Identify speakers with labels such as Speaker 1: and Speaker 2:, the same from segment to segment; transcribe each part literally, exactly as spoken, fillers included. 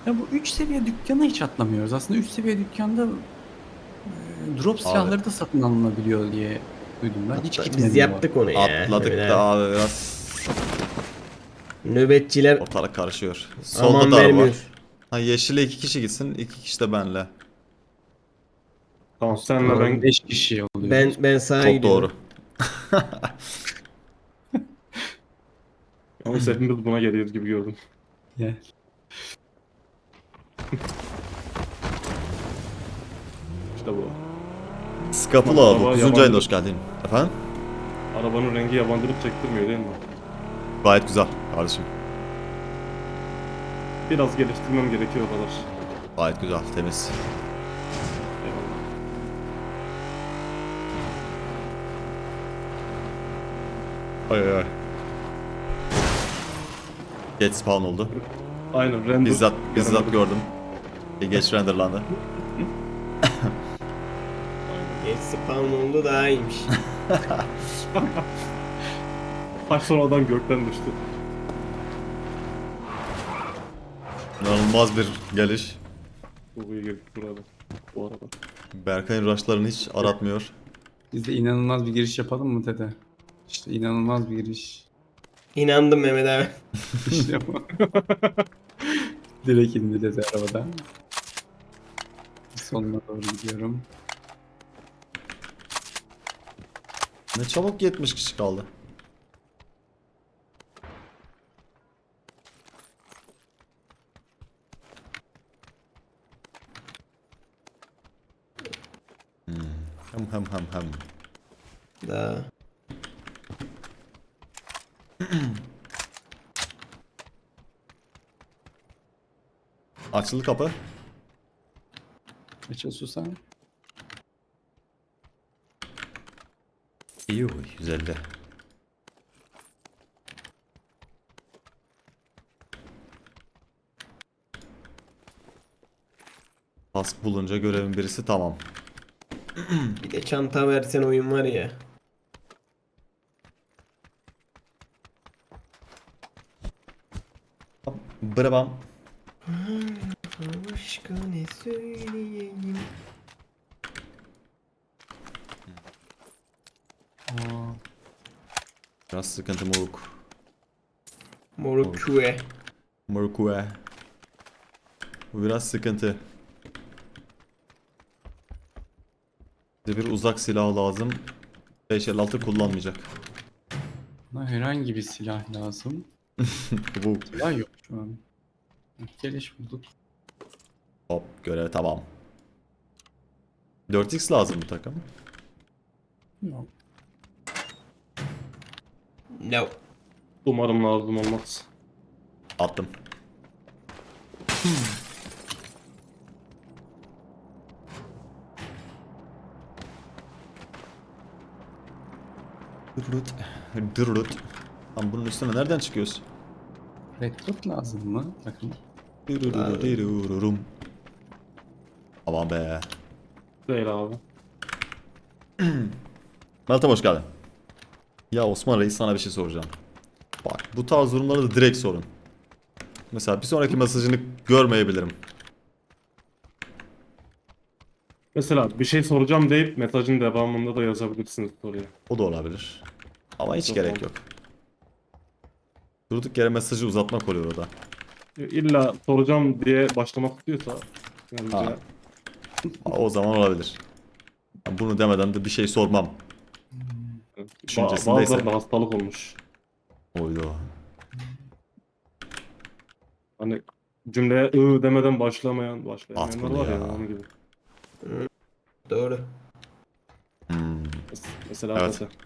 Speaker 1: Ya bu üç seviye dükkana hiç atlamıyoruz. Aslında üç seviye dükkanda e, drop
Speaker 2: Abi
Speaker 1: silahları da satın alınabiliyor diye duydum ben. Hiç
Speaker 3: Hatta biz
Speaker 1: gitmedim bu arada.
Speaker 3: yaptık onu ya. Mehmet
Speaker 2: atladık da
Speaker 3: abi.
Speaker 2: abi biraz
Speaker 3: Nöbetçiler
Speaker 2: ortalık karışıyor. Solda
Speaker 3: aman
Speaker 2: da araba var.
Speaker 3: vermiyor.
Speaker 2: Ha yeşile iki kişi gitsin, iki kişi de benle.
Speaker 4: Tamam senle
Speaker 1: Doğru.
Speaker 4: ben
Speaker 1: beş kişi
Speaker 3: Ben
Speaker 1: oluyoruz.
Speaker 3: ben sağa
Speaker 2: Çok doğru.
Speaker 3: gidiyorum.
Speaker 4: yalnız hepimiz buna geliyoruz gibi gördüm.
Speaker 1: Ya.
Speaker 4: İşte bu.
Speaker 2: Skapula
Speaker 4: Araba
Speaker 2: dokuzuncu ayında
Speaker 4: yabancı-
Speaker 2: hoş geldin. Efendim?
Speaker 4: Arabanın rengi yabancılık çektirmiyor değil mi?
Speaker 2: Gayet güzel kardeşim.
Speaker 4: Biraz geliştirmem gerekiyor o kadar.
Speaker 2: Gayet güzel, temiz.
Speaker 4: Eyvallah.
Speaker 2: Ay ay. Geç spawn oldu.
Speaker 4: Aynen render.
Speaker 2: Bizzat bizzat
Speaker 4: göremedim.
Speaker 2: gördüm. E, Geç renderlandı.
Speaker 3: Geç spawn oldu daha iyiymiş.
Speaker 4: Taş sonradan gökten düştü.
Speaker 2: İnanılmaz bir geliş.
Speaker 4: Bu iyi girdik burada. Bu arada.
Speaker 2: Berkay'ın rushlarını hiç aratmıyor.
Speaker 1: Biz de inanılmaz bir giriş yapalım mı Tete? İşte inanılmaz bir giriş.
Speaker 3: İnandım Mehmet abi.
Speaker 1: İşte bu. Direkt indi Tete arabadan. Sonuna doğru gidiyorum.
Speaker 2: Ne çabuk yetmiş kişi kaldı. Hmm. Hem hem hem hem.
Speaker 3: Daha.
Speaker 2: Açıldı kapı.
Speaker 1: Açıl susam.
Speaker 2: İyi yüz elli. Kask bulunca görevin birisi tamam.
Speaker 3: Bir de çanta versen oyun var ya.
Speaker 2: Brabam.
Speaker 3: Başka ne söyleyeyim?
Speaker 2: Biraz sıkıntı moruk.
Speaker 3: Moruk küve.
Speaker 2: Morukue. Bu biraz sıkıntı. Bize bir uzak silah lazım. beş elli altı kullanmayacak.
Speaker 1: Buna herhangi bir silah lazım.
Speaker 2: Bu
Speaker 1: Silah yok şu an. Geliş bulduk.
Speaker 2: hop görev tamam. dört x lazım bu takım.
Speaker 1: Yok.
Speaker 3: No.
Speaker 4: Umarım lazım olmaz.
Speaker 2: Attım. Dırırıt. Dırırıt. Lan bunun üstüne nereden çıkıyoruz?
Speaker 1: Recruit lazım mı takım?
Speaker 2: Dırırırırırırım. Aman be.
Speaker 4: Değil abi.
Speaker 2: Meltem hoş geldin. Ya Osman Reis sana bir şey soracağım. Bak bu tarz durumlarda da direkt sorun. Mesela bir sonraki mesajını görmeyebilirim.
Speaker 4: Mesela bir şey soracağım deyip mesajın devamında da yazabilirsiniz soruya.
Speaker 2: O da olabilir. Ama hiç
Speaker 4: Yok,
Speaker 2: gerek
Speaker 4: olmaz.
Speaker 2: yok. Durduk yere mesajı uzatmak oluyor orada.
Speaker 4: İlla soracağım diye başlamak istiyorsa bence
Speaker 2: Ha. O zaman olabilir. Ben bunu demeden de bir şey sormam.
Speaker 4: ba-
Speaker 2: Düşüncesindeyse.
Speaker 4: bazılarında hastalık olmuş.
Speaker 2: Oydu.
Speaker 4: Hani cümleye ı demeden başlamayan, başlayamayanlar
Speaker 2: At bunu
Speaker 4: var ya,
Speaker 2: ya.
Speaker 4: onun gibi.
Speaker 3: Doğru.
Speaker 2: Hmm.
Speaker 4: Mes- Mesela
Speaker 2: Evet.
Speaker 4: Tete.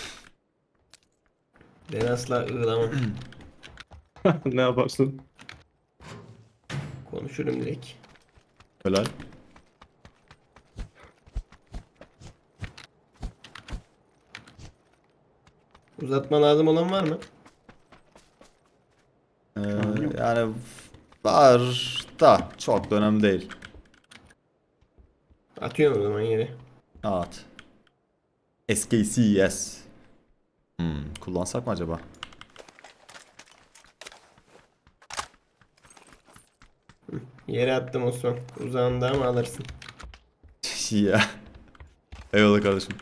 Speaker 3: Ben asla ığlamam.
Speaker 4: Ne yaparsın?
Speaker 3: Konuşurum direkt.
Speaker 2: Helal.
Speaker 3: Uzatma lazım olan var mı?
Speaker 2: Ee, yani var da çok da önemli değil.
Speaker 3: Atıyorum o zaman yere.
Speaker 2: At. S K C S. Hmm, kullansak mı acaba?
Speaker 3: Yere attım Osman. Uzağında ama alırsın.
Speaker 2: Ya. Eyvallah kardeşim.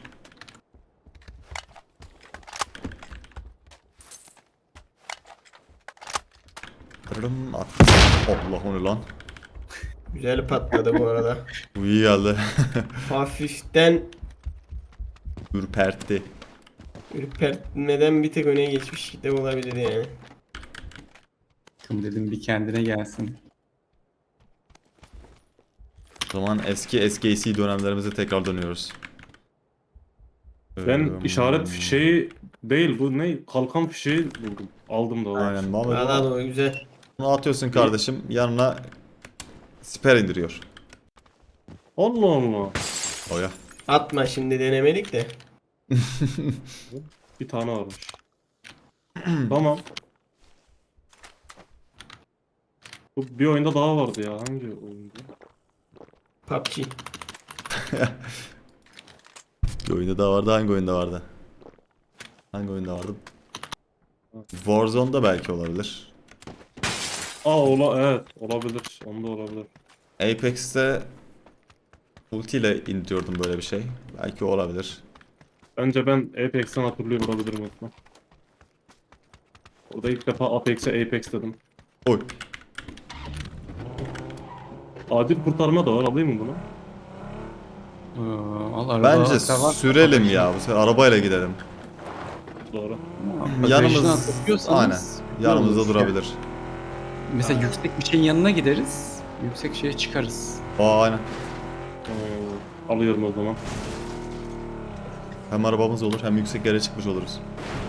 Speaker 2: Tırırım, at. Allah, o ne lan?
Speaker 3: Güzel patladı bu arada.
Speaker 2: Bu iyi geldi.
Speaker 3: Hafiften
Speaker 2: Ürpertti.
Speaker 3: ürpertmeden bir tek öne geçmiş de olabilir yani.
Speaker 1: Şunu dedim bir kendine gelsin.
Speaker 2: O zaman eski S K C dönemlerimize tekrar dönüyoruz.
Speaker 4: Ben
Speaker 2: Ee,
Speaker 4: işaret fişeği değil bu ne? Kalkan fişeği buldum. Aldım da.
Speaker 2: Aynen, vallahi
Speaker 3: Valla
Speaker 2: bunu-
Speaker 3: da o güzel.
Speaker 2: bunu atıyorsun kardeşim, yanına siper indiriyor.
Speaker 4: Allah Allah.
Speaker 2: Oya.
Speaker 3: Atma şimdi, denemelik de.
Speaker 4: Bir tane varmış. Tamam. Bu bir oyunda daha vardı ya. Hangi oyunda?
Speaker 3: P U B G.
Speaker 2: Bir oyunda daha vardı, hangi oyunda vardı? Hangi oyunda vardı? Warzone'da belki olabilir.
Speaker 4: Aa ola evet olabilir. Onda olabilir.
Speaker 2: Apex'te ultiyle indiriyordum böyle bir şey. Belki o olabilir.
Speaker 4: Bence ben Apex'ten hatırlıyor olabilirim Osman. Orada ilk defa Apex'e Apex dedim.
Speaker 2: Oy.
Speaker 4: Adil kurtarma da var. Alayım mı bunu?
Speaker 1: Ee, al, araba
Speaker 2: Bence
Speaker 1: hatta var.
Speaker 2: sürelim ya. Bu sefer arabayla gidelim.
Speaker 4: Doğru.
Speaker 1: Ama
Speaker 2: Yanımız
Speaker 1: bagajına takıyorsanız
Speaker 2: aynen.
Speaker 1: güzel
Speaker 2: Yanımızda
Speaker 1: olur.
Speaker 2: durabilir.
Speaker 1: Mesela yüksek bir şeyin yanına gideriz. Yüksek şeye çıkarız.
Speaker 2: Aa, aynen.
Speaker 4: Ee, alıyorum o zaman.
Speaker 2: Hem arabamız olur hem yüksek yere çıkmış oluruz.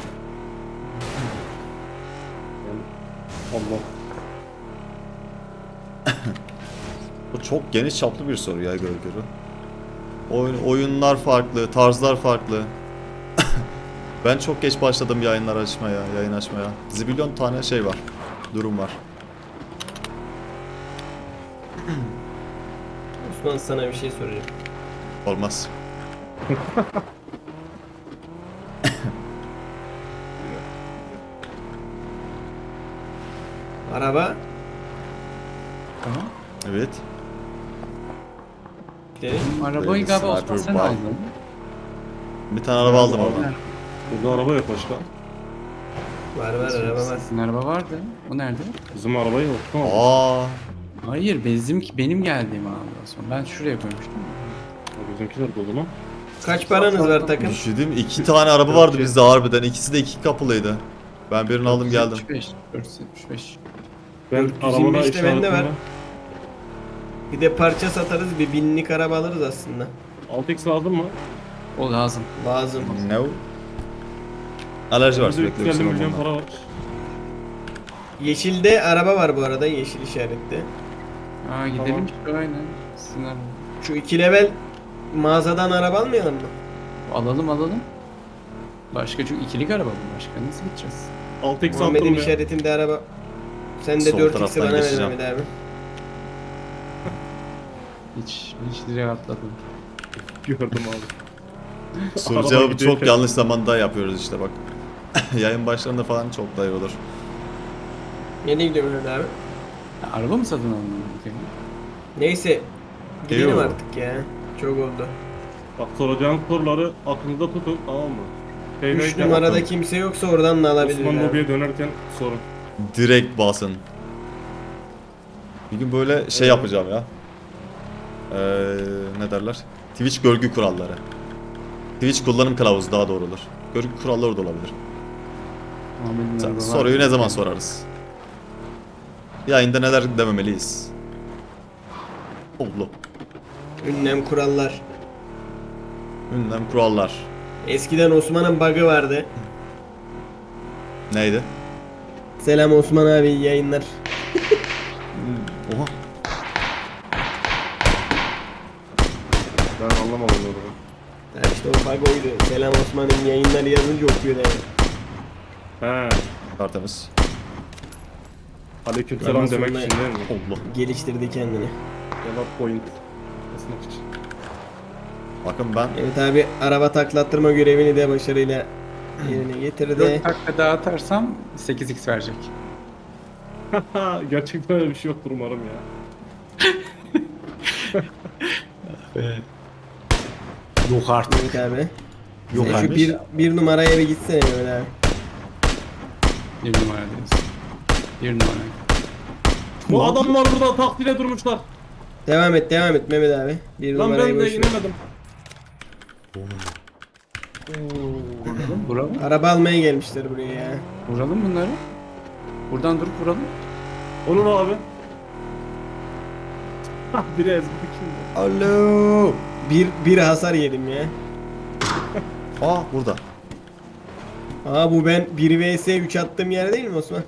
Speaker 4: Yani, Allah.
Speaker 2: Bu çok geniş çaplı bir soru ya, göre göre. Oyun, oyunlar farklı, tarzlar farklı. Ben çok geç başladım yayınlar açmaya, yayın açmaya. Zibilyon tane şey var, durum var.
Speaker 3: Osman, sana bir şey soracağım.
Speaker 2: Olmaz.
Speaker 3: Araba.
Speaker 1: Tamam.
Speaker 2: Evet.
Speaker 3: Gidelim.
Speaker 1: Arabayı galiba Osman sen
Speaker 2: Sniper
Speaker 1: aldın.
Speaker 2: Bir tane araba aldım oradan.
Speaker 4: Burada araba yok başka.
Speaker 3: Var var, araba var.
Speaker 1: Sizin araba vardı. O nerede?
Speaker 4: Bizim araba yok. Tamam.
Speaker 2: Aa,
Speaker 1: Hayır, bizim benim geldiğim abi Osman. Ben şuraya koymuştum.
Speaker 4: Bizimkiler dolu mu?
Speaker 3: Kaç paranız var takım?
Speaker 2: düşündüm, iki tane araba vardı bizde harbiden. İkisi de iki kapılıydı. Ben birini aldım geldim.
Speaker 1: dört yüz yetmiş beş. dört yüz yetmiş beş.
Speaker 4: Ben
Speaker 3: dört yüz yirmi
Speaker 4: arabada
Speaker 3: beşte bende var.
Speaker 4: işaretimle
Speaker 3: Bir de parça satarız, bir binlik araba alırız aslında.
Speaker 4: altı x lazım mı?
Speaker 1: O lazım.
Speaker 3: Lazım.
Speaker 2: No. Alerji var
Speaker 4: Bizde
Speaker 2: sürekli.
Speaker 4: üç yüz elli
Speaker 2: öksürüyorum
Speaker 4: milyon
Speaker 2: ondan.
Speaker 4: para var.
Speaker 3: Yeşilde araba var bu arada, yeşil işaretli.
Speaker 1: Aa gidelim
Speaker 4: Tamam.
Speaker 1: işte aynen. Sizin araba.
Speaker 3: Şu iki level mağazadan araba almayalım mı?
Speaker 1: Alalım alalım. Başka çünkü ikilik araba bu. Başka nasıl gideceğiz?
Speaker 4: altı x
Speaker 3: Muhammed'in
Speaker 4: attım ya.
Speaker 3: işaretinde araba. Sen de
Speaker 2: Sol
Speaker 3: dört x'i
Speaker 2: taraftan
Speaker 3: bana ver
Speaker 2: geçeceğim.
Speaker 3: Mehmet abi.
Speaker 1: Hiç, hiç direkt atladım.
Speaker 4: Gördüm abi.
Speaker 2: Soru
Speaker 4: Araba
Speaker 2: cevabı
Speaker 4: gidiyor
Speaker 2: çok
Speaker 4: ki.
Speaker 2: yanlış zamanda yapıyoruz işte bak. Yayın başlarında falan çok daha iyi olur.
Speaker 3: Nereye gidiyor Mehmet abi?
Speaker 1: Ya, araba mı satın aldın? Bakayım.
Speaker 3: Neyse. Gidelim
Speaker 2: Eyvallah.
Speaker 3: artık ya. Çok oldu.
Speaker 4: Bak soracağın soruları aklınızda tutun tamam mı? Şey
Speaker 3: üç
Speaker 4: neydi?
Speaker 3: numarada kimse yoksa oradan da alabiliriz
Speaker 4: Osman
Speaker 3: abi.
Speaker 4: lobiye dönerken sorun.
Speaker 2: Direkt basın. Bir gün böyle şey yapacağım ya. Ee, ne derler? Twitch görgü kuralları. Twitch kullanım kılavuzu daha doğru olur. Görgü kuralları da olabilir.
Speaker 1: Muhammed'in araba var.
Speaker 2: Soruyu ne zaman sorarız? Yayında neler dememeliyiz? Allah.
Speaker 3: Ünlem kurallar.
Speaker 2: Ünlem kurallar.
Speaker 3: Eskiden Osman'ın bug'ı vardı.
Speaker 2: Neydi?
Speaker 3: Selam Osman abi, iyi yayınlar.
Speaker 2: Oha.
Speaker 4: Ben anlamadım onu.
Speaker 3: Ha işte o bug oydu. Selam Osman'ın yayınları yazınca okuyor yani.
Speaker 4: He.
Speaker 2: Tertemiz.
Speaker 4: Aleykümselam
Speaker 3: Ben
Speaker 4: demek
Speaker 3: sonra-
Speaker 4: için değil mi?
Speaker 2: Allah.
Speaker 3: Geliştirdi kendini.
Speaker 4: Cevap point. Basmak için.
Speaker 2: Bakın ben
Speaker 3: Evet abi, araba taklattırma görevini de başarıyla yerine getirdi.
Speaker 1: dört dakika daha atarsam sekiz x verecek.
Speaker 4: Gerçekten öyle bir şey yoktur umarım ya.
Speaker 1: Yok artık.
Speaker 3: Mehmet abi.
Speaker 2: Yok
Speaker 3: Sen şu
Speaker 2: vermiş.
Speaker 3: bir, bir numaraya bir gitsene Mehmet abi.
Speaker 1: Bir numara diyorsun. Bir numara.
Speaker 4: Bu adamlar burada takdire durmuşlar.
Speaker 3: Devam et devam et Mehmet abi. Bir
Speaker 4: Lan
Speaker 3: numarayı
Speaker 4: ben de
Speaker 3: boş ver.
Speaker 4: inemedim.
Speaker 1: Vuralım, vuralım.
Speaker 3: Araba almaya gelmişler buraya ya.
Speaker 1: Vuralım bunları. Buradan durup vuralım.
Speaker 4: Olur abi. Hah biri ezdik şimdi.
Speaker 2: Alo.
Speaker 3: Bir, bir hasar yedim ya.
Speaker 2: Aa burada.
Speaker 3: Aa bu ben bir vs üç attığım yer değil mi Osman?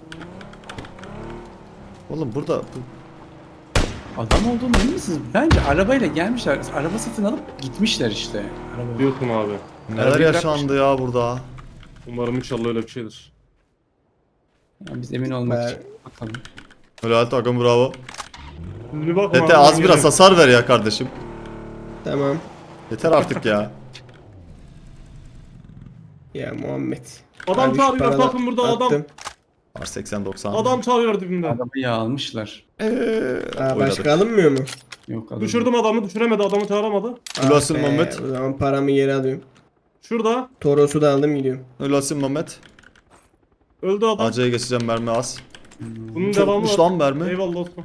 Speaker 2: Oğlum burada. bu-
Speaker 1: Adam olduğunu emin misiniz? Bence arabayla gelmişler. Araba satın alıp gitmişler işte. Araba.
Speaker 4: Diyorsun abi.
Speaker 2: Neler
Speaker 1: Arabayı
Speaker 2: yaşandı ya burada.
Speaker 4: Umarım inşallah öyle bir şeydir.
Speaker 1: Yani biz emin olmak
Speaker 3: Ben-
Speaker 1: için bakalım.
Speaker 2: Helal takım bravo.
Speaker 4: Siz bir bakın
Speaker 2: Tete
Speaker 4: abi,
Speaker 2: az
Speaker 4: ben
Speaker 2: biraz
Speaker 4: geliyorum.
Speaker 2: hasar ver ya kardeşim.
Speaker 3: Tamam.
Speaker 2: Yeter artık ya.
Speaker 3: Ya Muhammed.
Speaker 4: Adam
Speaker 3: Abi şu
Speaker 4: çağırıyor
Speaker 3: paralar
Speaker 4: bakın burada adam.
Speaker 3: attım.
Speaker 2: R seksen doksan.
Speaker 4: Adam çağırıyor dibimde.
Speaker 1: Arabayı almışlar.
Speaker 2: Eee,
Speaker 3: Aa,
Speaker 2: oynadık.
Speaker 3: başka alınmıyor mu?
Speaker 1: Yok adam.
Speaker 4: Düşürdüm adamı düşüremedi adamı çağıramadı.
Speaker 2: Ulaşsın
Speaker 3: Ah be,
Speaker 2: Muhammed.
Speaker 3: O zaman paramı geri alıyorum.
Speaker 4: Şurada
Speaker 3: Toros'u da aldım gidiyorum.
Speaker 2: Ölasın Mehmet.
Speaker 4: öldü adam.
Speaker 2: Acıya geçeceğim mermi az.
Speaker 4: Bunun devamı
Speaker 2: Çokmuş
Speaker 4: var.
Speaker 2: lan mermi.
Speaker 4: Eyvallah Osman.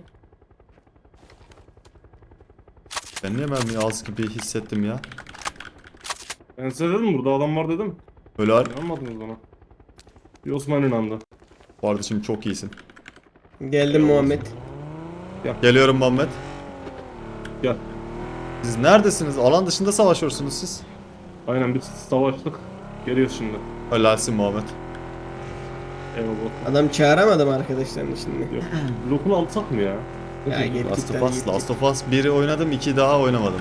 Speaker 2: Ben niye mermi az gibi hissettim ya.
Speaker 4: Ben size dedim burada adam var dedim.
Speaker 2: Helal.
Speaker 4: İnanmadınız bana. Bir Osman inandı.
Speaker 2: Kardeşim çok iyisin.
Speaker 3: Geldim Muhammed.
Speaker 2: Geliyorum Muhammed.
Speaker 4: Gel.
Speaker 2: Siz neredesiniz? Alan dışında savaşıyorsunuz siz.
Speaker 4: Aynen biz savaştık. Geliyoruz şimdi.
Speaker 2: Helalsin Muhammed.
Speaker 4: Eyvallah.
Speaker 3: Adam çağıramadım arkadaşlarını şimdi.
Speaker 4: Yok. Lokunu alsak mı ya?
Speaker 3: Ya git
Speaker 2: Last
Speaker 3: git
Speaker 2: of
Speaker 3: hadi
Speaker 2: Us,
Speaker 3: git.
Speaker 2: Last of Us biri oynadım, iki daha oynamadım.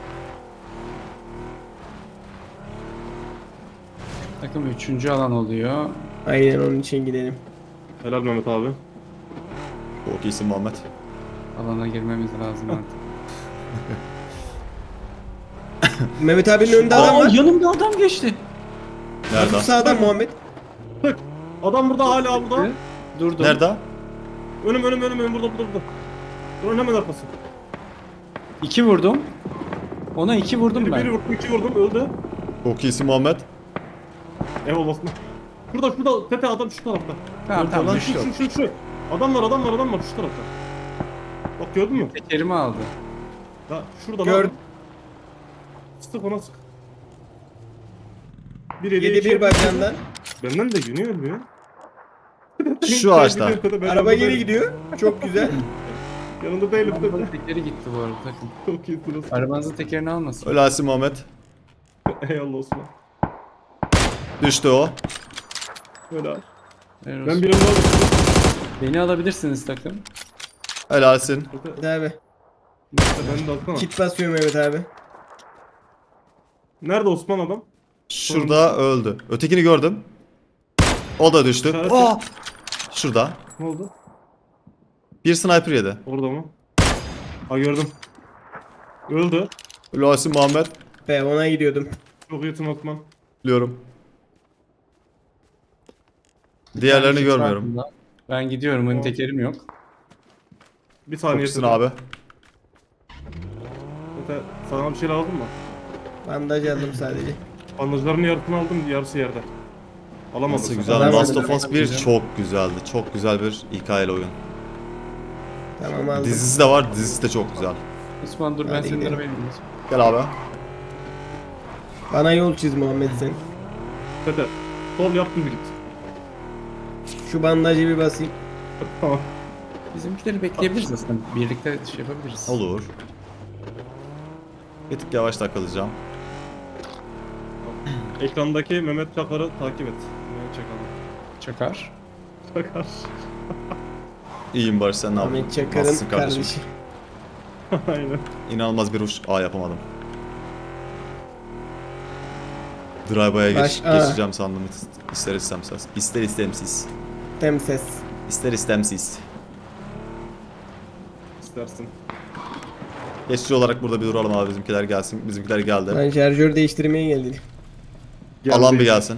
Speaker 1: Takım üçüncü alan oluyor.
Speaker 3: Aynen onun için gidelim.
Speaker 4: Helal Mehmet abi.
Speaker 2: Çok iyisin Muhammed.
Speaker 1: Alana girmemiz lazım artık.
Speaker 3: Mehmet abinin önünde adam
Speaker 1: Aa,
Speaker 3: var.
Speaker 1: yanımda adam geçti.
Speaker 2: Nerede?
Speaker 3: Sağda Muhammed.
Speaker 4: Adam burada hala burada.
Speaker 1: Durdum.
Speaker 2: Nerede?
Speaker 4: Önüm önüm önüm önüm burada burada burada. Buranın hemen arkası.
Speaker 1: İki vurdum. Ona iki vurdum
Speaker 4: Biri,
Speaker 1: ben.
Speaker 4: biri vurdum iki vurdum öldü.
Speaker 2: Çok iyisin Muhammed.
Speaker 4: Eyvallah Osman. Şurada şurada Tete adam şu tarafta.
Speaker 1: Tamam tamam
Speaker 2: Lan
Speaker 1: düştü.
Speaker 4: Şu şu şu şu. Adam var adam var adam var şu tarafta. Bak gördün mü?
Speaker 1: Tekerimi aldı.
Speaker 4: Ha şurada
Speaker 3: Gör-
Speaker 4: lan. Sık ona sık. Bir eli
Speaker 3: Yedi
Speaker 4: iki-
Speaker 3: bir bacağından.
Speaker 4: Benden de günü ölmüyor.
Speaker 2: Şu ağaçta.
Speaker 4: Ben
Speaker 3: Araba
Speaker 4: yanında
Speaker 3: geri
Speaker 4: değilim.
Speaker 3: gidiyor. Çok güzel.
Speaker 4: Yanında değilim
Speaker 1: Arabanın
Speaker 4: Tete.
Speaker 1: tekeri gitti bu arada takım.
Speaker 4: Çok iyisiniz.
Speaker 1: Arabanızın tekerini almasın.
Speaker 2: Helalsin Muhammed.
Speaker 4: Eyvallah Osman.
Speaker 2: Düştü o.
Speaker 4: Öyle abi.
Speaker 1: Helal
Speaker 4: Ben
Speaker 1: olsun.
Speaker 4: birini aldım.
Speaker 1: Beni alabilirsiniz takım.
Speaker 2: Helalsin.
Speaker 3: Hadi abi.
Speaker 4: Ben de alsana.
Speaker 3: Kit basıyorum Mehmet abi.
Speaker 4: Nerede Osman adam?
Speaker 2: Şurada öldü. Ötekini gördüm. O da düştü.
Speaker 4: İşaret
Speaker 2: Aa! Şurada.
Speaker 4: Ne oldu?
Speaker 2: Bir sniper yedi.
Speaker 4: Orada mı? Ha gördüm. Öldü.
Speaker 2: Helalsin Muhammed.
Speaker 3: Be ona gidiyordum.
Speaker 4: Çok iyisin Osman.
Speaker 2: Biliyorum. Diğerlerini
Speaker 1: Ben
Speaker 2: görmüyorum.
Speaker 1: farkında. Ben gidiyorum. Benim tekerim yok.
Speaker 4: Bir
Speaker 2: Çok
Speaker 4: saniye.
Speaker 2: iyisin
Speaker 4: Tete.
Speaker 2: abi.
Speaker 4: Tete, sana bir şey lazım mı?
Speaker 3: Bandaj aldım sadece.
Speaker 4: Bandajların yarısını aldım, yarısı yerde. Alamadım.
Speaker 2: Nasıl
Speaker 4: sen.
Speaker 2: güzel.
Speaker 3: Alamadım.
Speaker 2: Last of Us bir
Speaker 1: Güzel.
Speaker 2: çok güzeldi. Çok güzel bir hikayeli oyun.
Speaker 3: Tamam aldım.
Speaker 2: Dizisi de var. Dizisi de çok güzel.
Speaker 1: Osman dur ben
Speaker 3: Hadi
Speaker 1: senin
Speaker 3: gidelim.
Speaker 1: arabayı bineyim.
Speaker 2: Gel abi.
Speaker 3: Bana yol çiz Muhammed sen.
Speaker 4: Tete, sol yap düz git.
Speaker 3: Şu bandajı bir basayım.
Speaker 4: Tamam.
Speaker 1: Bizimkileri bekleyebiliriz aslında. Birlikte şey yapabiliriz.
Speaker 2: Olur. Bir tık yavaş takılacağım.
Speaker 4: Ekrandaki Mehmet Çakar'ı takip et. Mehmet Çakar'ı.
Speaker 1: Çakar.
Speaker 4: Çakar.
Speaker 2: İyiyim Barış, sen ne yaptın?
Speaker 3: Ahmet Çakar'ın
Speaker 2: Nasılsın
Speaker 3: kardeşi.
Speaker 4: Aynen.
Speaker 2: İnanılmaz bir uç. Aa, yapamadım. Drive'a geç,
Speaker 3: Baş- aa.
Speaker 2: geçeceğim sandım. İster istemsiz. İster istemsiz.
Speaker 3: Temses.
Speaker 2: İster istemsiz.
Speaker 4: İstersin.
Speaker 2: Geçici olarak burada bir duralım abi, bizimkiler gelsin. Bizimkiler geldi.
Speaker 3: Ben şarjör değiştirmeye geldim.
Speaker 2: Alan bir
Speaker 4: Geldi.
Speaker 2: gelsin.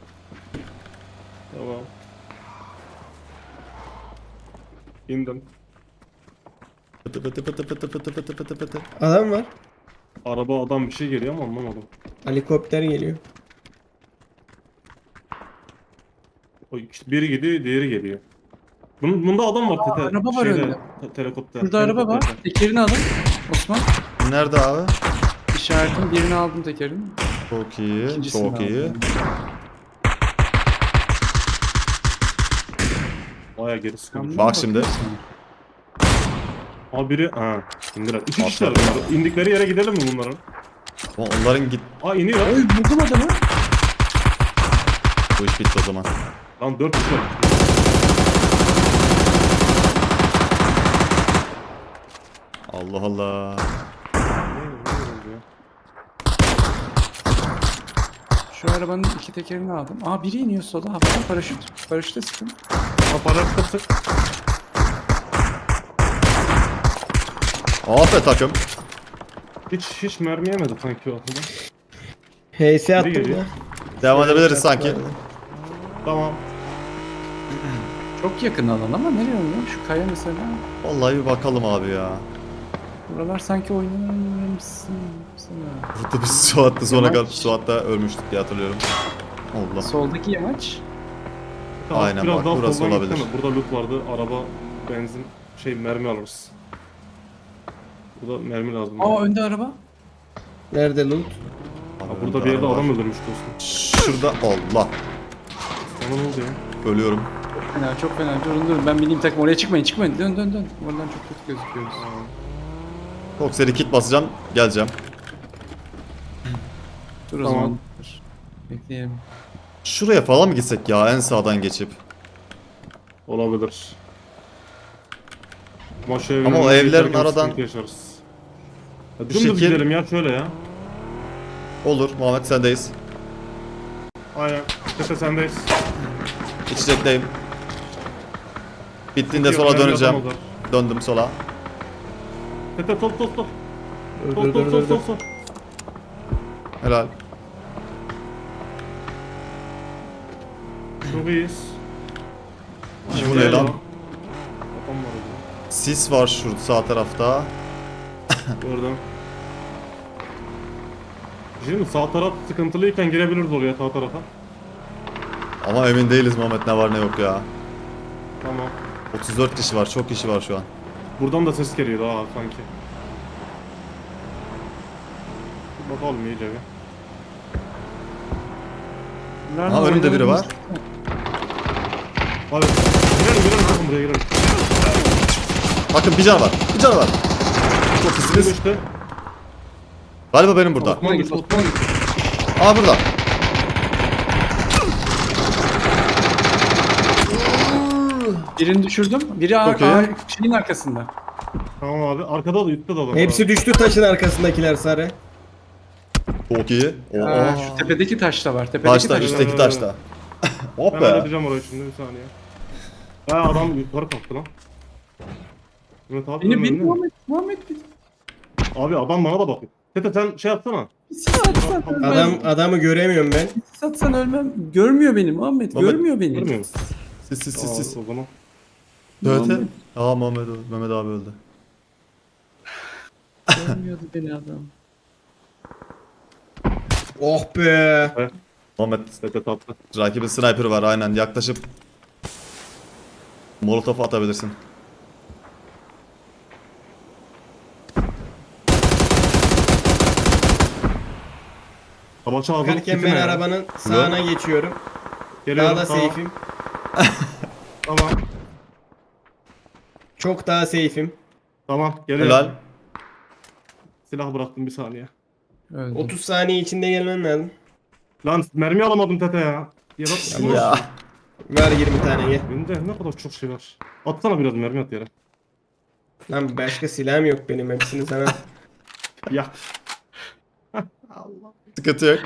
Speaker 4: Tamam. İndim.
Speaker 2: Pıtı pıtı pıtı pıtı pıtı pıtı pıtı pıtı.
Speaker 3: Adam var.
Speaker 4: Araba adam bir şey geliyor ama anlamadım.
Speaker 3: Helikopter geliyor.
Speaker 4: O işte biri gidiyor, diğeri geliyor. Bunun, bunda adam var tete.
Speaker 1: araba var
Speaker 4: şeyde,
Speaker 1: önde.
Speaker 4: te- Helikopter.
Speaker 1: Şurada araba var.
Speaker 4: helikopterde.
Speaker 1: Tekerini alın. Osman.
Speaker 2: Nerede abi?
Speaker 1: İşaretin birini aldım tekerini.
Speaker 2: Çok iyi,
Speaker 1: İkincisini
Speaker 2: çok iyi.
Speaker 1: aldım.
Speaker 4: Baya geri sıkılmış.
Speaker 1: Camdan
Speaker 2: Bak şimdi.
Speaker 1: bakıyorsun.
Speaker 4: Abi biri, ha indiler. İki
Speaker 2: Atladı.
Speaker 4: kişiler bunlar. İndikleri yere gidelim mi bunların?
Speaker 2: Ama onların git...
Speaker 4: Aa iniyor.
Speaker 1: Oy buldum adamı.
Speaker 2: Bu iş bitti o zaman.
Speaker 4: Lan dört kişi var.
Speaker 2: Allah Allah.
Speaker 1: Şu arabanın iki tekerini aldım. Aa biri iniyor sola. Havadan paraşüt. Paraşüte sıkın.
Speaker 4: Aparat sık.
Speaker 2: Aferin takım.
Speaker 4: Hiç hiç mermi yemedi sanki o adamı.
Speaker 3: H S attım
Speaker 4: geliyor.
Speaker 3: ya.
Speaker 2: Devam edebiliriz sanki.
Speaker 4: Tamam.
Speaker 1: Çok yakın alan ama nereye oynuyor? Şu kaya mesela.
Speaker 2: Vallahi bir bakalım abi ya.
Speaker 1: Buralar sanki oynamışsın. Sana.
Speaker 2: Burada biz Suat'ta sonra
Speaker 1: Yamaç.
Speaker 2: kadar Suat'ta ölmüştük diye hatırlıyorum. Allah.
Speaker 1: Soldaki yamaç.
Speaker 4: Tamam,
Speaker 2: Aynen
Speaker 4: biraz
Speaker 2: bak,
Speaker 4: daha
Speaker 2: burası
Speaker 4: soldan
Speaker 2: olabilir.
Speaker 4: gitsene. Burada loot vardı. Araba, benzin, şey mermi alırız. Burada mermi lazım.
Speaker 1: Aa önde araba.
Speaker 3: Nerede loot?
Speaker 4: Ha, burada bir yerde adam öldürmüş dostum.
Speaker 2: Şurada Allah.
Speaker 4: Sana ne oldu ya?
Speaker 2: Ölüyorum.
Speaker 1: Fena çok fena. Durun durun ben bineyim takım oraya çıkmayın çıkmayın. Dön dön dön. Oradan çok kötü gözüküyoruz.
Speaker 2: Çok seri kit basacağım. Geleceğim.
Speaker 1: Dur o
Speaker 4: Tamam.
Speaker 1: zaman. Dur. Bekleyelim.
Speaker 2: Şuraya falan mı gitsek ya en sağdan geçip?
Speaker 4: Olabilir. Ama, şu
Speaker 2: Ama o
Speaker 4: evlerin
Speaker 2: evlerin
Speaker 4: giderken
Speaker 2: aradan-
Speaker 4: sıkıntı yaşarız. Ya,
Speaker 2: Bu
Speaker 4: dümdüz
Speaker 2: şekil-
Speaker 4: gidelim ya şöyle ya.
Speaker 2: Olur Muhammed sendeyiz.
Speaker 4: Aynen. Tepe sendeyiz.
Speaker 2: İçecekteyim. Bittiğinde sola
Speaker 4: Önemli adam
Speaker 2: döneceğim.
Speaker 4: olur.
Speaker 2: Döndüm sola.
Speaker 4: Tepe sol sol sol.
Speaker 3: Dur
Speaker 4: Sol
Speaker 3: dur
Speaker 4: sol
Speaker 3: dur
Speaker 4: sol
Speaker 3: dur.
Speaker 4: sol
Speaker 3: dur.
Speaker 4: sol.
Speaker 2: Helal.
Speaker 4: Çok iyiyiz.
Speaker 2: Bu ne lan?
Speaker 4: Adam var orada.
Speaker 2: Sis var şurada sağ tarafta.
Speaker 4: Gördüm. Şimdi sağ taraf sıkıntılıyken girebiliriz oraya sağ tarafa.
Speaker 2: Ama emin değiliz Muhammed ne var ne yok ya.
Speaker 4: Tamam.
Speaker 2: otuz dört kişi var, çok kişi var şu an.
Speaker 4: Buradan da ses geliyor daha sanki. Bir bakalım iyice bir.
Speaker 1: Nerede
Speaker 2: Ha, önümde biri var.
Speaker 4: Hadi. Girelim girelim bakın buraya girelim.
Speaker 2: Bakın bir can var, bir can var. Çok
Speaker 4: Bizim
Speaker 2: iyisiniz.
Speaker 4: işte.
Speaker 2: Galiba benim burada.
Speaker 4: Osman git Osman git.
Speaker 2: Aa burada.
Speaker 1: Birini düşürdüm. Biri ar-
Speaker 2: Çok iyi.
Speaker 1: ar- şeyin arkasında.
Speaker 4: Tamam abi. Arkada da üstte de adam var.
Speaker 3: Hepsi düştü taşın arkasındakiler sarı.
Speaker 2: Çok iyi. Oo.
Speaker 1: Aa, şu tepedeki taşta var. Tepedeki
Speaker 2: Taşta,
Speaker 1: taşta.
Speaker 2: üstteki taşta. Hop
Speaker 4: Ben
Speaker 2: be.
Speaker 4: halledeceğim orayı şimdi bir saniye. Ha adam yukarı kalktı lan. Evet abi.
Speaker 1: Beni
Speaker 4: önüne.
Speaker 1: beni Muhammed. Muhammed beni.
Speaker 4: Abi adam bana da bakıyor. Tete sen şey yapsana.
Speaker 1: Sis atsan ölmem.
Speaker 3: Adam adamı göremiyorum ben.
Speaker 1: Sis atsan ölmem. Görmüyor beni Muhammed.
Speaker 2: Muhammed,
Speaker 1: Görmüyor beni.
Speaker 4: Görmüyor musun?
Speaker 2: Sis sis sis
Speaker 4: Aa,
Speaker 2: sis.
Speaker 4: o zaman.
Speaker 2: Evet.
Speaker 1: Muhammed.
Speaker 2: Aa Muhammed öldü. Mehmet abi öldü.
Speaker 1: Görmüyordu beni adam.
Speaker 3: Oh be.
Speaker 2: Muhammed
Speaker 4: Tete tatlı.
Speaker 2: rakibin sniper var aynen yaklaşıp Molotov atabilirsin.
Speaker 4: Tabaça ağzını
Speaker 3: Bakarken
Speaker 4: sikime
Speaker 3: ben
Speaker 4: ya.
Speaker 3: arabanın sağına geçiyorum.
Speaker 4: Geliyorum,
Speaker 3: Daha da
Speaker 4: tamam.
Speaker 3: safe'im.
Speaker 4: Tamam.
Speaker 3: Çok daha safe'im.
Speaker 4: Tamam. Geliyorum.
Speaker 2: Helal.
Speaker 4: Silah bıraktım bir saniye.
Speaker 1: Öldüm.
Speaker 3: otuz saniye içinde gelmen lazım.
Speaker 4: Lan mermi alamadım Tete ya. Ya bak.
Speaker 2: Ya.
Speaker 3: Ver yirmi tane gel.
Speaker 4: Bende ne kadar çok şey var. Atsana biraz mermi at yere.
Speaker 3: Lan başka silahım yok benim hepsini sana.
Speaker 4: Ya.
Speaker 2: Sıkıntı yok.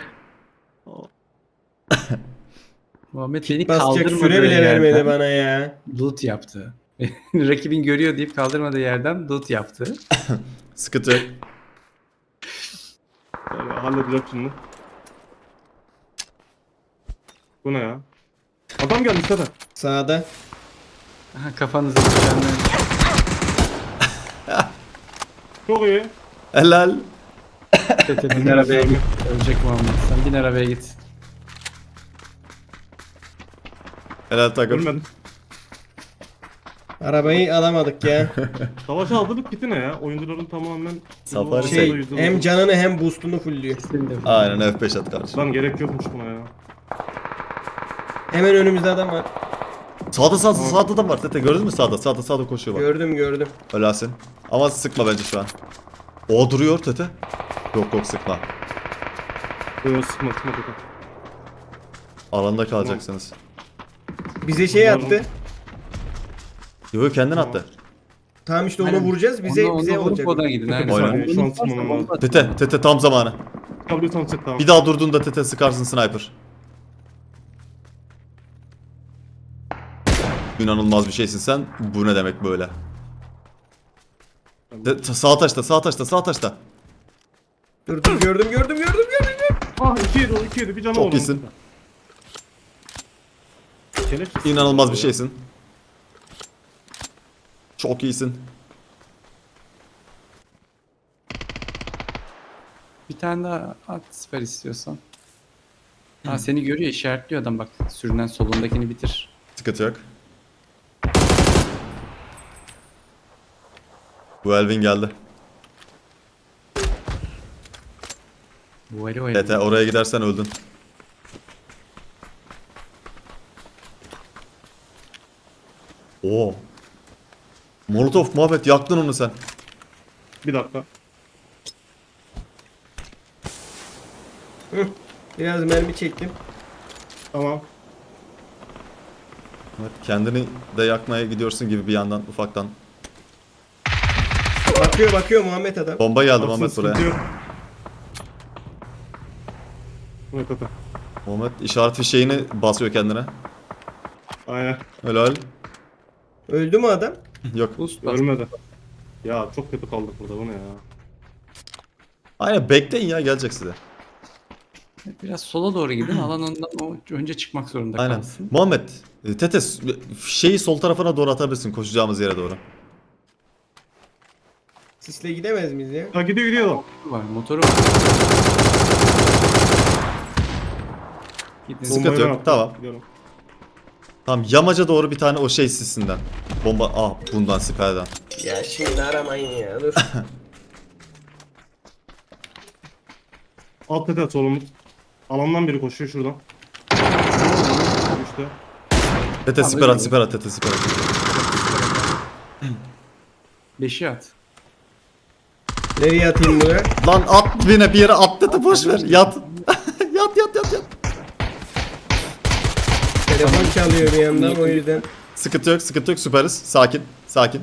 Speaker 1: Muhammed beni
Speaker 3: Basacak
Speaker 1: kaldırmadığı
Speaker 3: süre bile vermedi
Speaker 1: yerden
Speaker 3: bana ya.
Speaker 1: loot yaptı. Rakibin görüyor deyip kaldırmadığı yerden loot yaptı.
Speaker 2: Sıkıntı yok.
Speaker 4: Yani halledeceğim şimdi. Bu ne ya? Adam geldi Tete.
Speaker 3: Sağda.
Speaker 1: Aha, kafanızı düzenleyin.
Speaker 4: Çok iyi.
Speaker 2: Helal.
Speaker 1: Tete bin arabaya git. Ölecek Muhammed. Sen bin arabaya git.
Speaker 2: Helal takım.
Speaker 4: Ölmedim.
Speaker 3: Arabayı alamadık ya.
Speaker 4: Savaşa hazırlık kiti ne ya? Oyuncuların tamamen...
Speaker 2: Safari
Speaker 3: Şey
Speaker 4: Yüzde
Speaker 3: hem
Speaker 4: doksan.
Speaker 3: canını hem boostunu fullüyor.
Speaker 2: Aynen F beş at kardeşim.
Speaker 4: Lan gerek yokmuş buna ya.
Speaker 3: Hemen önümüzde adam var.
Speaker 2: Sağda sağda sağda da var Tete, gördün mü sağda? Sağda sağda koşuyor bak.
Speaker 3: Gördüm gördüm.
Speaker 2: Helalsin. Ama sıkma bence şu an. O duruyor Tete. Yok yok sıkma.
Speaker 4: Yok sıkma sıkma sıkma.
Speaker 2: Alanda kalacaksınız.
Speaker 3: Bize şey
Speaker 4: Umarım-
Speaker 3: attı.
Speaker 2: Yo kendin
Speaker 4: Tamam.
Speaker 2: attı.
Speaker 3: Tamam işte onu
Speaker 1: Aynen.
Speaker 3: vuracağız. Bize
Speaker 1: Onunla-
Speaker 3: bize
Speaker 1: onunla vurup
Speaker 3: olacak.
Speaker 1: oradan gidin. Aynen.
Speaker 2: Aynen.
Speaker 4: Saniye, şu an sıkmamam lazım.
Speaker 2: Tete Tete tam zamanı.
Speaker 4: Çıkabiliyorsan çık tamam.
Speaker 2: Bir daha durduğunda Tete sıkarsın sniper. İnanılmaz bir şeysin sen. Bu ne demek böyle? De, ta- sağ taşta, sağ taşta, sağ taşta.
Speaker 3: Dur dur gördüm gördüm gördüm gördüm.
Speaker 4: Ah iki yedi o iki yedi bir canı
Speaker 2: Çok
Speaker 4: var
Speaker 2: iyisin.
Speaker 4: onun. Kelepçesiz.
Speaker 2: İnanılmaz bir şeysin. Çok iyisin.
Speaker 1: Bir tane daha at siper istiyorsan. Ha seni görüyor, işaretliyor adam bak. Sürünen solundakini bitir.
Speaker 2: Sıkıntı yok. Bu Elvin geldi.
Speaker 1: Bu eli o eli.
Speaker 2: Tete oraya gidersen öldün. Oo. Molotov Muhammed yaktın onu sen.
Speaker 4: Bir dakika.
Speaker 3: Hı. Biraz mermi çektim.
Speaker 4: Tamam.
Speaker 2: Evet, kendini de yakmaya gidiyorsun gibi bir yandan ufaktan.
Speaker 3: Bakıyor bakıyor Muhammed adam.
Speaker 2: Bomba geldi
Speaker 4: Aslında
Speaker 2: Muhammed
Speaker 4: sıkıntı
Speaker 2: buraya.
Speaker 4: yok. Evet evet.
Speaker 2: Muhammed işaret fişeğini basıyor kendine.
Speaker 4: Aynen.
Speaker 2: Helal.
Speaker 3: Öldü mü adam?
Speaker 2: Yok.
Speaker 1: Boost bas.
Speaker 4: Ölmedi. Ya çok kötü kaldık burada bu ne ya.
Speaker 2: Aynen bekleyin ya gelecek size.
Speaker 1: Biraz sola doğru gidin. Alan ondan o önce çıkmak zorunda
Speaker 2: Aynen.
Speaker 1: kalsın.
Speaker 2: Muhammed, e, Tete şeyi sol tarafına doğru atabilirsin koşacağımız yere doğru.
Speaker 3: Sisle gidemez miyiz ya?
Speaker 4: Ha gidiyor gidiyor adam.
Speaker 1: Var, motoru var. Gidin.
Speaker 2: Sıkıntı
Speaker 4: Bombayı
Speaker 2: yok,
Speaker 4: ben attım.
Speaker 2: tamam.
Speaker 4: Gidiyorum.
Speaker 2: Tamam yamaca doğru bir tane o şey sisinden. Bomba ah bundan siperden.
Speaker 3: Ya şimdi aramayın ya dur.
Speaker 4: Alt tete solumuz. Alandan biri koşuyor şuradan. İşte.
Speaker 2: Tete
Speaker 1: Tamam,
Speaker 2: siper
Speaker 1: öyle
Speaker 2: at siper at Tete siper at.
Speaker 1: Beşi at.
Speaker 3: Nereye atayım bunu?
Speaker 2: Lan at bine bir yere at Tete boş ver yat. yat yat yat yat.
Speaker 3: Telefon çalıyor bir yandan o yüzden.
Speaker 2: Sıkıntı yok sıkıntı yok süperiz. Sakin sakin.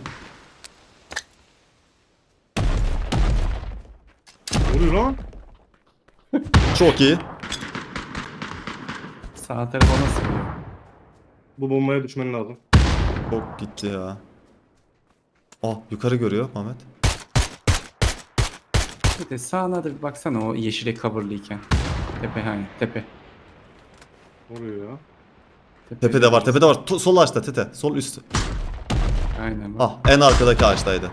Speaker 4: Vuruyor lan.
Speaker 2: Çok iyi.
Speaker 1: Sağ tarafa nasıl gidiyor?
Speaker 4: Bu bombaya düşmen lazım.
Speaker 2: Çok gitti ya. Ah yukarı görüyor Mehmet.
Speaker 1: Bir de sağına da bir baksana o yeşile coverlıyken. Tepe hani tepe.
Speaker 4: Vuruyor ya.
Speaker 2: Tepede var tepede var. Tu- sol ağaçta Tete sol üst.
Speaker 1: Aynen bak.
Speaker 2: Ah en arkadaki ağaçtaydı.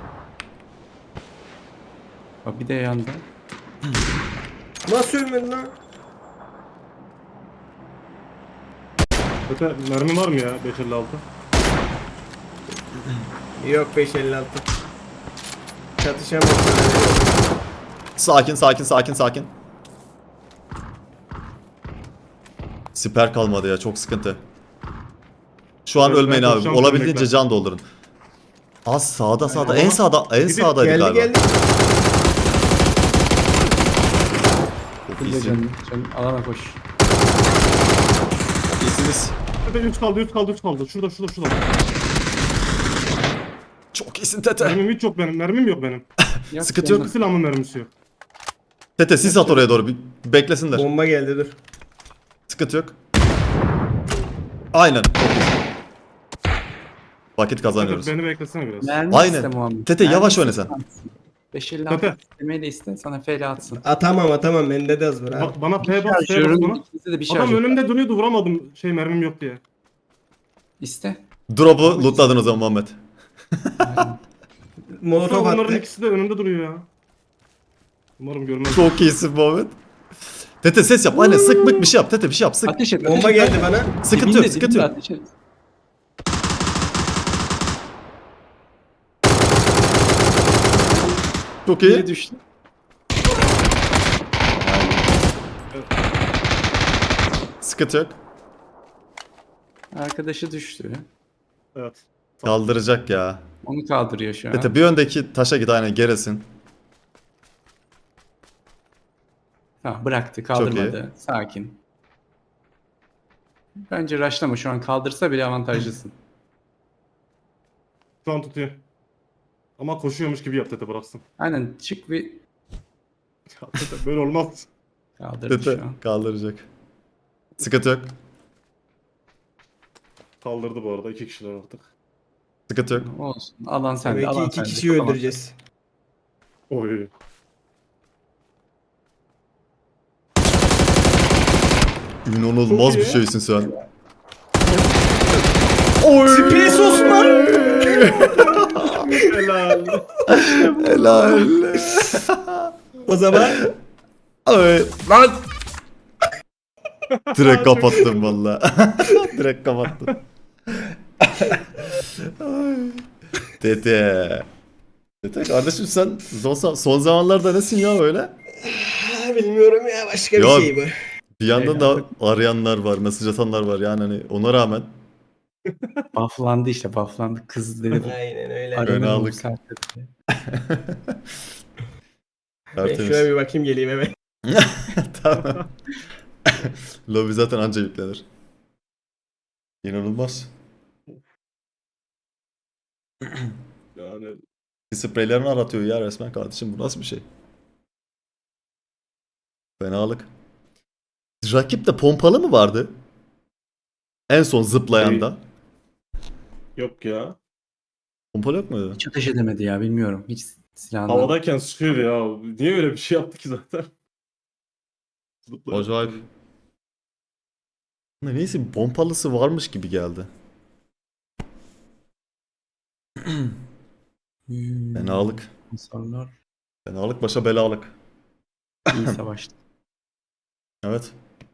Speaker 1: Bak bir de yanda.
Speaker 3: Nasıl ölmedi lan?
Speaker 4: Tete mermi var mı ya beş elli altı?
Speaker 3: Yok beş elli altı. Çatışamaz.
Speaker 2: Sakin sakin sakin sakin. Siper kalmadı ya çok sıkıntı. Şu an
Speaker 4: Evet,
Speaker 2: ölmeyin
Speaker 4: ben
Speaker 2: abi.
Speaker 4: koşacağım,
Speaker 2: Olabildiğince
Speaker 4: bekle.
Speaker 2: can doldurun. Az sağda sağda
Speaker 4: Aynen.
Speaker 2: en sağda en
Speaker 4: Gidip
Speaker 2: sağdaydı
Speaker 3: Geldi
Speaker 2: galiba.
Speaker 3: geldi.
Speaker 2: Çok
Speaker 1: Bir de
Speaker 2: iyisin.
Speaker 1: canım, canım alana koş.
Speaker 2: Çok iyisiniz.
Speaker 4: Tete üç kaldı üç kaldı üç kaldı. Şurada şurada şurada.
Speaker 2: Çok iyisin Tete.
Speaker 4: Mermim hiç yok benim. Mermim yok benim.
Speaker 1: Yak
Speaker 2: Sıkıntı yok.
Speaker 1: yanına.
Speaker 4: Silahımın mermisi yok.
Speaker 2: Tete sis at oraya doğru bir beklesinler.
Speaker 3: Bomba geldi dur.
Speaker 2: Sıkıntı yok. Aynen. Çok iyisin. Vakit kazanıyoruz.
Speaker 4: Tete beni beklesene biraz.
Speaker 1: Mermi
Speaker 2: Aynen.
Speaker 1: iste Muhammed.
Speaker 2: Tete,
Speaker 1: Mermi
Speaker 2: yavaş
Speaker 1: iste,
Speaker 2: oyna sen.
Speaker 1: atsın. beş elli
Speaker 4: Tete.
Speaker 1: altı istemeyi de iste sana F L atsın.
Speaker 3: Atamam atamam bende de az var abi.
Speaker 4: Ba- bana P bas P bas
Speaker 1: Şarjörün
Speaker 4: bana.
Speaker 1: ikisi de bir
Speaker 4: Adam
Speaker 1: şarjör.
Speaker 4: önümde duruyordu vuramadım şey mermim yok diye.
Speaker 1: İste.
Speaker 2: Drop'u lootladın o zaman Muhammed.
Speaker 1: Aynen.
Speaker 3: molotof
Speaker 4: Onların
Speaker 3: attı.
Speaker 4: ikisi de önünde duruyor ya. Umarım görmez.
Speaker 2: Çok iyisin Muhammed. Tete ses yap. Aynen sık mık bir şey yap. Tete bir şey yap. Sık.
Speaker 1: Ateş et.
Speaker 3: Bomba
Speaker 1: ateş et.
Speaker 3: geldi bana.
Speaker 2: Sıkıntı
Speaker 1: Dibinde,
Speaker 2: yok. Sıkıntı
Speaker 1: dibinde
Speaker 2: yok.
Speaker 1: ateş et.
Speaker 2: Çok
Speaker 1: Biri
Speaker 2: iyi.
Speaker 1: düştü.
Speaker 2: Sıkıntı yok.
Speaker 1: Arkadaşı düştü.
Speaker 4: Evet.
Speaker 2: Kaldıracak ya.
Speaker 1: Onu kaldırıyor şu an.
Speaker 2: Tete bir öndeki taşa git aynen gerisin.
Speaker 1: Tamam bıraktı
Speaker 2: iyi.
Speaker 1: kaldırmadı. Sakin. Bence rushlama şu an kaldırsa bile avantajlısın.
Speaker 4: Şu an tutuyor. Ama koşuyormuş gibi yap Tete bıraksın.
Speaker 1: Aynen çık bir
Speaker 4: Ya Tete böyle olmaz.
Speaker 1: kaldırdı
Speaker 2: Tete
Speaker 1: şu an.
Speaker 2: kaldıracak. Sıkıntı yok.
Speaker 4: Kaldırdı bu arada iki kişiler artık.
Speaker 2: Sıkıntı yok.
Speaker 1: Olsun. Alan sende.
Speaker 3: Demek ki
Speaker 1: Alan
Speaker 3: iki
Speaker 1: sende.
Speaker 3: kişiyi
Speaker 1: Tamam.
Speaker 3: öldüreceğiz.
Speaker 4: Oy.
Speaker 2: İnanılmaz
Speaker 4: Çok
Speaker 2: bir
Speaker 4: iyi.
Speaker 2: şeysin sen.
Speaker 3: Space Osman!
Speaker 4: Helal.
Speaker 2: Helal.
Speaker 3: O zaman
Speaker 2: Ay, lan. Direkt kapattım valla. Direkt kapattım. Ay. Tete. Tete kardeşim sen son, son zamanlarda nesin ya öyle?
Speaker 3: Ha, bilmiyorum ya başka bir
Speaker 2: Ya-
Speaker 3: şey bu.
Speaker 2: Bir yandan da arayanlar var, mesaj atanlar var yani hani ona rağmen.
Speaker 1: Bufflandı işte bufflandı. Kız dedi.
Speaker 3: Aynen öyle.
Speaker 1: Aranın
Speaker 2: Fenalık.
Speaker 1: bu saatte dedi.
Speaker 3: Ben
Speaker 2: Tertemiz.
Speaker 3: şuraya bir bakayım geleyim hemen.
Speaker 2: Tamam. Lobby zaten anca yüklenir. İnanılmaz.
Speaker 4: Yani
Speaker 2: Spreylerini aratıyor ya resmen kardeşim bu nasıl bir şey? Fenalık. Rakipte pompalı mı vardı? En son zıplayanda.
Speaker 4: yok ya.
Speaker 2: Pompalı yok muydu?
Speaker 1: Hiç ateş edemedi ya bilmiyorum. Hiç silahını.
Speaker 4: Havadayken sıkıyor ya. Niye öyle bir şey yaptı ki zaten? Zıplayarak.
Speaker 2: Acayip. Neyse bir pompalısı varmış gibi geldi.
Speaker 1: Hmm.
Speaker 2: Fenalık.
Speaker 1: Hasarlar.
Speaker 2: Fenalık başa belalık.
Speaker 1: İyi savaştı.
Speaker 2: Evet.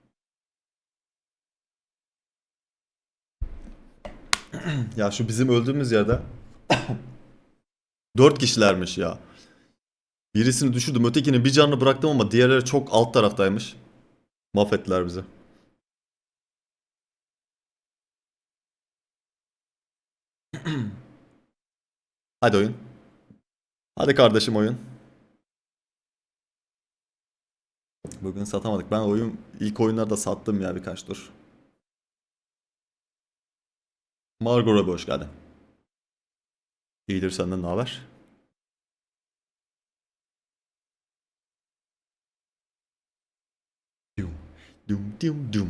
Speaker 2: Ya şu bizim öldüğümüz yerde dört kişilermiş ya. Birisini düşürdüm, ötekinin bir canını bıraktım ama diğerleri çok alt taraftaymış. Mahvettiler bizi. Hadi oyun. Hadi kardeşim oyun. Bugün satamadık. Ben oyun ilk oyunlarda sattım ya birkaç tur. Margot Robbie hoş geldin. İyidir senden ne haber? Dum dum dum dum.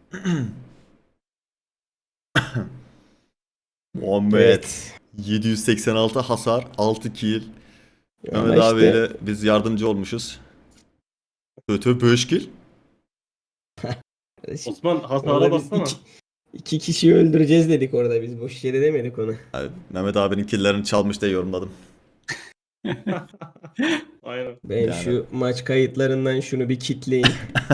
Speaker 2: Muhammed
Speaker 3: Evet.
Speaker 2: yedi yüz seksen altı hasar, altı kill.
Speaker 3: Ama
Speaker 2: Mehmet
Speaker 3: işte-
Speaker 2: abiyle biz yardımcı olmuşuz. Kötü beş kill.
Speaker 4: Osman hasara
Speaker 3: Orada biz
Speaker 4: bassana.
Speaker 3: iki, iki kişiyi öldüreceğiz dedik orada biz. Boş yere demedik onu.
Speaker 2: Abi, Mehmet abinin killerini çalmış diye yorumladım.
Speaker 4: Aynen.
Speaker 3: Ben
Speaker 2: Yani.
Speaker 3: şu maç kayıtlarından şunu bir kitleyin.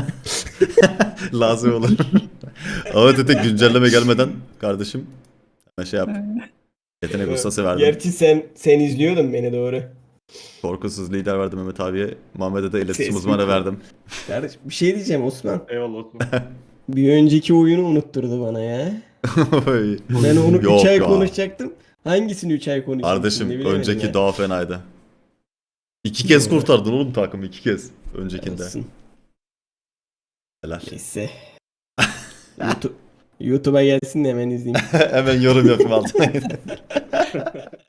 Speaker 2: Lazım olur. Ama dedi güncelleme gelmeden kardeşim hemen şey yap. Yetenek ustası verdim.
Speaker 3: Gerçi sen sen izliyordun beni doğru.
Speaker 2: Korkusuz lider verdim Mehmet abiye. Muhammed'e de iletişim
Speaker 3: Ses
Speaker 2: uzmanı
Speaker 3: mi?
Speaker 2: verdim.
Speaker 3: Kardeş bir şey diyeceğim Osman.
Speaker 4: Eyvallah Osman.
Speaker 3: Bir önceki oyunu unutturdu bana ya.
Speaker 2: Oy.
Speaker 3: Ben onu
Speaker 2: Yok
Speaker 3: üç ay
Speaker 2: ya.
Speaker 3: konuşacaktım. Hangisini üç ay konuşacaktım?
Speaker 2: Kardeşim
Speaker 3: ne bilemedim
Speaker 2: önceki
Speaker 3: ya.
Speaker 2: daha fenaydı. İki kez kurtardın oğlum takımı iki kez. Öncekinde.
Speaker 3: Olsun.
Speaker 2: Helal.
Speaker 3: Neyse. YouTube, YouTube'a gelsin de hemen izleyeyim.
Speaker 2: Hemen yorum yapayım altına.